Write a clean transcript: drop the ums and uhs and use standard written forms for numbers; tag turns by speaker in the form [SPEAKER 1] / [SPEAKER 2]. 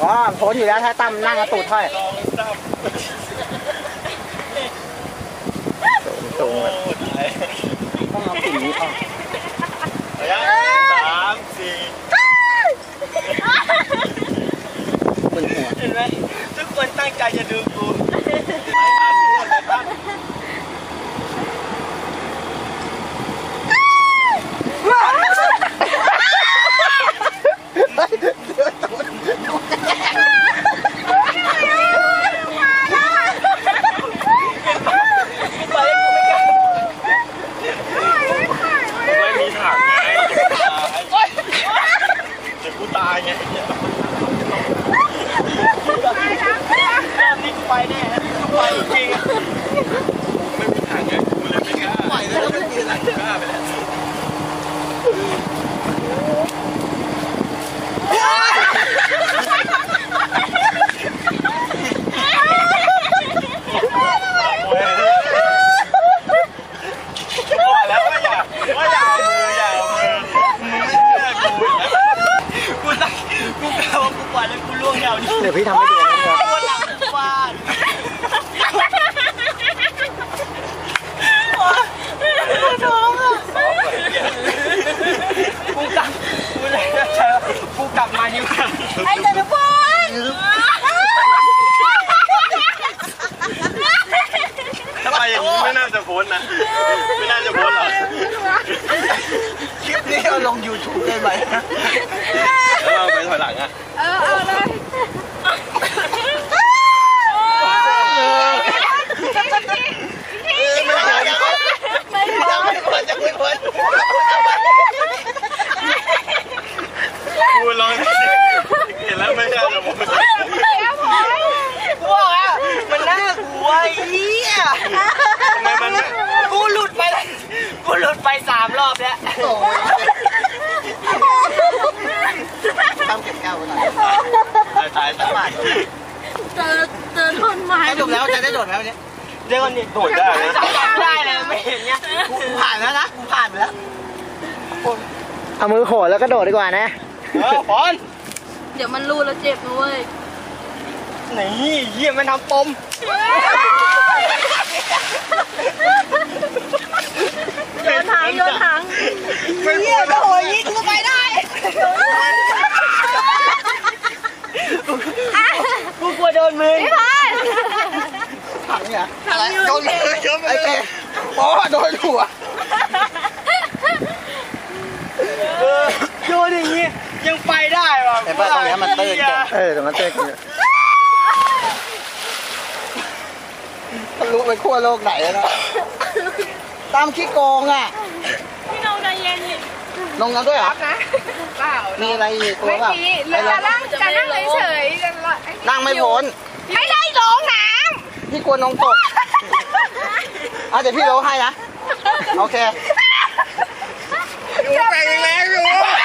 [SPEAKER 1] อ๋อโผล่อยู่แล้วถ้าตั้มนั่งกระตูดห้อยสูงต้องเอาสิ่งนี้ออก
[SPEAKER 2] 3 4
[SPEAKER 1] บนหัว
[SPEAKER 2] เห็นไหมทุกคนตั้งใจจะดูกูไปแน่ไปจริงไม่มีทางไงกูเลยไม่กล้าปล่อยแล้วไม่มีอะไรกล้าไปแล้วแล้วว่าอย่าเอามือมึงไม่เชื่อกูนะกูกล่าวว่ากูปล่อยแล้วกูล่วงแนวนี้
[SPEAKER 1] เดี๋ยวพี่ทำให้ดูนะครับ
[SPEAKER 2] กูกลับมาอยู่กัน
[SPEAKER 3] ไอ้เจ้าพล
[SPEAKER 2] ถ้าไปอย่างนี้ไม่น่าจะพ้นนะไม่น่าจะพ้นหรอกคลิปนี้เอาลง YouTube ได้ไหมแล้วเราไปถอยหลังอ่ะ
[SPEAKER 3] เอาเลย
[SPEAKER 2] ไม่พ้นกูลองเห็นแล้วไม่ใช่จะพ้นว้าวมันน่ากลัวเหี้ยทำไมมันกูหลุดไป3 รอบแล้ว
[SPEAKER 1] ตั้มเก็บแก้วไว้หน่อย
[SPEAKER 2] ตายสักบาท
[SPEAKER 3] เจอต้นไม้
[SPEAKER 1] จบแล้วจะได้โดดไหมวันนี้
[SPEAKER 2] เดี๋ยวก่อนดิโดดได้เลยได้เลยไม่เห็นเนี่ย
[SPEAKER 1] กูผ่านแล้วนะกูผ่านไปแล้วเอามือโขดแล้วก็โดดดีกว่านะ
[SPEAKER 2] บอล
[SPEAKER 3] เดี๋ยวมันรูแล้วเจ็บนะเว้ย
[SPEAKER 2] นี่เยี่ยมมันทำปม
[SPEAKER 3] โยนถังเยี่ยมโหยิงก็ไปได้
[SPEAKER 2] กูกลัวโดนมือ
[SPEAKER 3] พี่พาย
[SPEAKER 1] ถังเนี่ยอะไรโดนเลยไอ้เป๊ะโอ้โดนหัว
[SPEAKER 2] โดนอย่างงี้ยังไปได้ว่ะ
[SPEAKER 1] แต่ตรงนี้มันตื้นตรงนั้นตื้นทะลุไปขั้วโลกไหนแล้วนะตามขี้โกงอ่ะ
[SPEAKER 3] พี่น้องใจเย็น
[SPEAKER 1] ลงน้ำด้วยเหรอ
[SPEAKER 3] เปล่า
[SPEAKER 1] มีอะไรอีกตัวแบบ
[SPEAKER 3] จะนั่งเฉย
[SPEAKER 1] นั่งไม่พ้น
[SPEAKER 3] ไม่ได้ลงน้
[SPEAKER 1] ำพี่กลัวน้องตกเดี๋ยวพี่โลให้นะโอเค
[SPEAKER 2] อยู่แปลงแรงอยู่